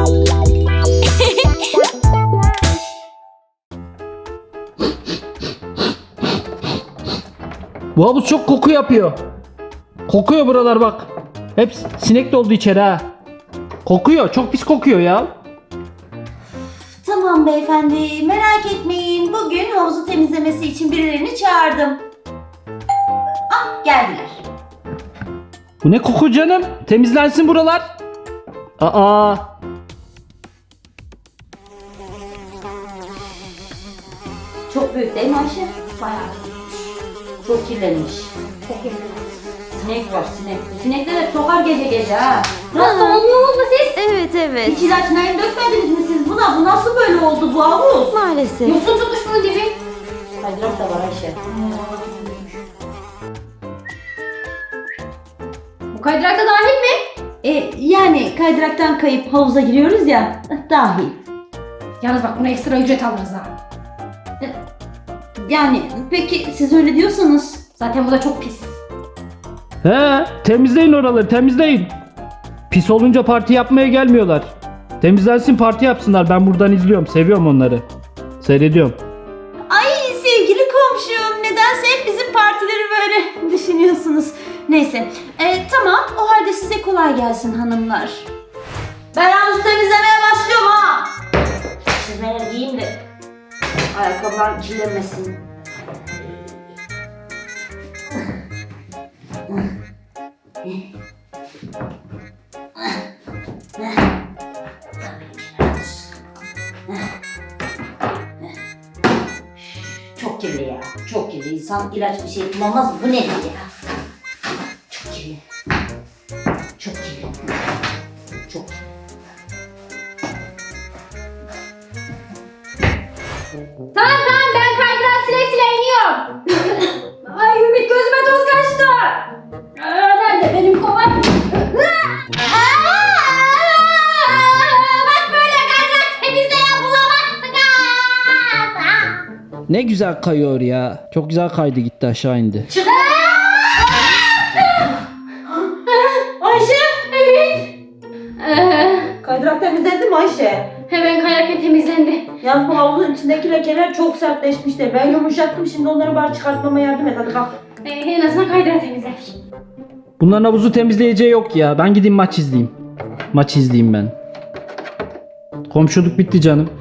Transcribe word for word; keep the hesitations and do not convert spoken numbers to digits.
Bu havuz çok koku yapıyor. Kokuyor buralar bak. Hep sinek doldu içeri ha. Kokuyor. Çok pis kokuyor ya. Tamam beyefendi, merak etmeyin. Bugün havuzu temizlemesi için birilerini çağırdım. Ah, geldiler. Bu ne koku canım? Temizlensin buralar. Aa. Çok büyük değil mi Ayşe? Bayağı. Çok kirlenmiş. Çok kirlenmiş. Sinek var, sinek. Sinekler de sokar gece gece ha. Nasıl olmuyorsunuz mu siz? Evet evet. Hiç ilaç neyin dökmediniz mi siz buna? Bu nasıl böyle oldu bu havuz? Maalesef. Yosun tutmuş bunun dibi. Kaydırak da var Ayşe. Bu kaydırakta dahil mi? E, yani kaydıraktan kayıp havuza giriyoruz ya, dahil. Yalnız bak buna ekstra ücret alırız ha. Yani peki siz öyle diyorsanız. Zaten bu da çok pis. He, temizleyin oraları, temizleyin. Pis olunca parti yapmaya gelmiyorlar. Temizlensin, parti yapsınlar. Ben buradan izliyorum, seviyorum onları. Seyrediyorum. Ay sevgili komşum, nedense hep bizim partileri böyle düşünüyorsunuz. Neyse, e, tamam, o halde size kolay gelsin hanımlar. Ben havuz temizlemeye başlıyorum ha. Çizmeleri giyeyim de ayakkabılar kirlenmesin. Çok kirli ya, çok kirli. İnsan ilaç bir şey kullanmaz. Bu nedir ya? Çok kirli. Çok kirli. Çok kirli. Tamam tamam ben kaydırak sile sile iniyorum. Ay Ümit gözüme toz kaçtı. Aa, nerede benim kovam? Bak böyle kaydırak temizleyen bulamazsın ha. Ne güzel kayıyor ya. Çok güzel kaydı gitti, aşağı indi. Çık. Ayşe. Evet. Ee, Kaydırak temizlendi mi Ayşe? hemen kayarken temizlendi. Yalnız bu havuzun içindeki lekeler çok sertleşmişti. Ben yumuşattım, şimdi onları bari çıkartmama yardım et. Hadi kalk. Ee, en azından kaydırak temizledik. Bunların havuzu temizleyeceği yok ya. Ben gideyim maç izleyeyim. Maç izleyeyim ben. Komşuluk bitti canım.